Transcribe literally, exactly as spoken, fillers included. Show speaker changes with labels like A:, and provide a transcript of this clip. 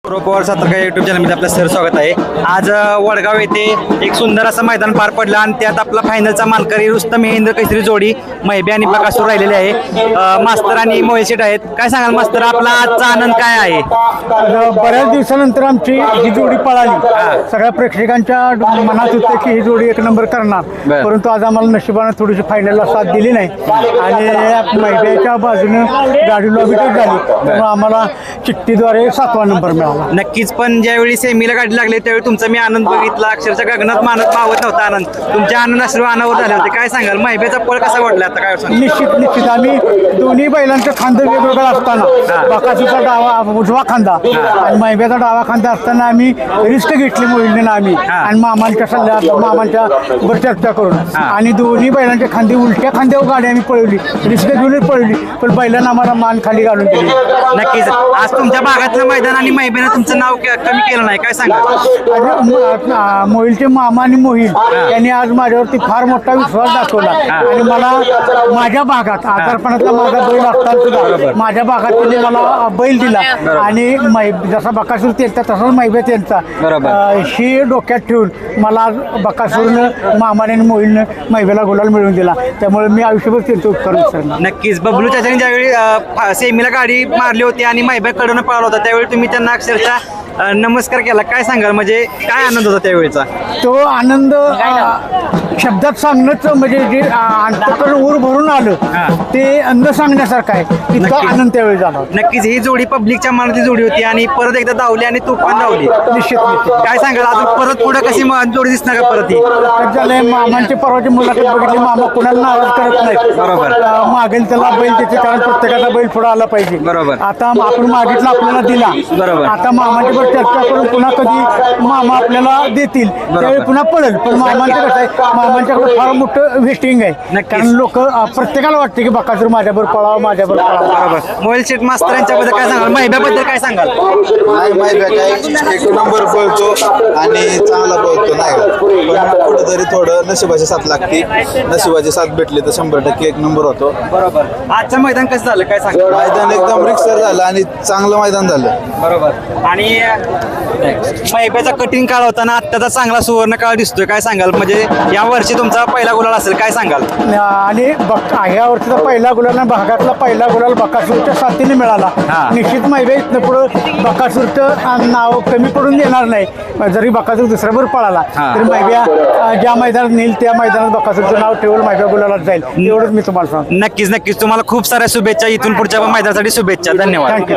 A: पवार सातारकर YouTube चॅनलमध्ये आपलं sir स्वागत आहे. आज अ, वडगाव येथे एक सुंदर असं मैदान पार पडलं आणि त्यात आपला फायनलचा मानकरी रुस्तम महेंद्र कैसरी जोडी मैबे आणि बकासूर राहिलेले आहे. अ, मास्तर आणि मोहिल शेट आहेत. काय सांगाल मास्तर, आपला आजचा आनंद काय आहे?
B: आता बऱ्याच दिवसानंतर आमची ही जोडी पळाली. सगळ्या प्रेक्षकांच्या मनात होते की ही जोडी एक नंबर करणार,
A: बर.
B: परंतु आज आम्हाला नशिबानं थोडीशी फायनलला साथ दिली नाही आणि मैदानाच्या बाजूने गाडी लॉबीटच झाली, त्यामुळे आम्हाला चिठ्ठीद्वारे सातवा नंबर मिळाला.
A: नक्कीच, पण ज्यावेळी सेमीला गाडी लागली त्यावेळी तुमचा मी आनंद बघितला. अक्षरशः गगनात मानत मावत नव्हता आनंद. तुमच्या आनंद अश्रू अनावर झाले होते. काय सांगाल, मैबेचा पळ कसा वाटला आता? काय सांगाल?
B: निश्चित निश्चित आम्ही दोन्ही बैलांचं खांदं वेगवेगळं असताना, बकासूरचा डावा उजवा खांदा आणि मैब्याचा डावा खांदा असताना आम्ही रिस्क घेतली मोहिलने आम्ही आणि मामांच्या सल्ल्या मामांच्या वर चर्चा करून आणि दोन्ही बैलांच्या खांदी उलट्या खांद्यावर गाडी आम्ही पळवली, रिस्क घेऊनच पळवली, पण बैलांना आम्हाला मान खाली घालून दिली.
A: नक्कीच, आज तुमच्या भागातलं मैदान आणि मैबेनं तुमचं नाव क- कमी केलं नाही. काय सांगाल?
B: आणि म- आ- मोहिलचे मामा आणि मोहिल यांनी आज माझ्यावरती फार मोठा विश्वास दाखवला आणि मला माझ्या भागात आजारपणातला माझा बैल असताना सुद्धा माझ्या भागात त्यांनी मला बैल दिला आणि मै जसा बकासूर त्यांचा तसाच मैबे त्यांचा
A: बरोबर.
B: अ, ही डोक्यात ठेवून मला आज बकासूरनं मामाने आणि मोहिलनं मैबेला गुलाल मिळवून दिला. त्यामुळे मी आयुष्यभर त्यांचं उपकार विसरणार.
A: नक्कीच, बबलू चाचाने ज्यावेळी अ, फा- सेमीला गाडी मारली होती आणि मैब्याकडून पळाला होता त्यावेळी तुम्ही त्यांना अक्षरशः अ, नमस्कार केला. काय सांगाल, म्हणजे काय आनंद होता त्यावेळीचा?
B: तो आनंद अ, शब्दात सांगणंच म्हणजे जे अ, अंतःकरण ऊर भरून आलं ते न सांगण्यासारखं आहे. इतका
A: नक्कीच.
B: आनंद त्यावेळी झाला.
A: नक्कीच, ही जोडी पब्लिकच्या मनातली जोडी होती आणि परत एकदा धावली आणि तुफान धावली.
B: निश्चित निश्चित
A: काय सांगाल, अजून परत पुढे कशी म- जोडी दिसणार का परत ही?
B: काय झालंय, मामांची परवाची मुलाखत बघितली, मामा कुणाला नाराज करत नाही.
A: बरोबर.
B: अ, मागेल त्याला बैल त्याचे, कारण प्रत्येकाचा बैल पुढे आला पाहिजे.
A: बरोबर.
B: आता आपण मागितला आपल्याला दिला.
A: बरोबर.
B: आता मामांच्या बरोबर चर्चा करून पुन्हा कधी मामा आपल्याला देतील त्यावेळी पुन्हा पळेल. पण मामांचं कसं आहे, मामांच्याकडे फार मोठं वेस्टिंग आहे.
A: नक्कीच.
B: कारण लोक प्रत्येकाला वाटते की बकासूर माझ्याबरोबर पळावं माझ्याबरोबर पळावं.
A: बरोबर. मोहिल शेठ मास्तर यांच्याबद्दल काय सांगाल, मैब्याबद्दल काय सांगाल?
C: नाही माहिती आहे काय, एक नंबर पळतो आणि चांगला पळतो नाही का, पण कुठेतरी थोडं नशिबाची साथ लागते. नशिबाची साथ भेटली तर शंभर टक्के एक नंबर होतो.
A: बरोबर. आजचं मैदान कसं झालं, काय सांगाल?
C: मैदान एकदम रिक्सर झालं आणि चांगलं मैदान झालं.
A: बरोबर. आणि मैब्याचा कठीण काळ होता ना, आत्ताचा चांगला सुवर्ण काळ दिसतोय. काय सांगाल, म्हणजे या वर्षी तुमचा पहिला गुलाल असेल. काय सांगाल?
B: आणि बक ह्या वर्षीचा पहिला गुलाल आणि भागातला पहिला गुलाल बकासूरच्या साथीने मिळाला.
A: हा.
B: निश्चित मैबे इथनं पुढं बकासूरचं नाव कमी पडून देणार नाही. जरी बकासूर दुसऱ्यावर पळाला
A: हा.
B: तरी मैब्या अ, ज्या मैदानात नेईल त्या मैदानात बकासूरचं नाव ठेवून मैब्या गुलालात जाईल. एवढंच मी तुम्हाला सांगतो.
A: नक्कीच नक्कीच, तुम्हाला खूप साऱ्या शुभेच्छा. इथून पुढच्या मैदानासाठी शुभेच्छा. धन्यवाद.
B: थँक्यू.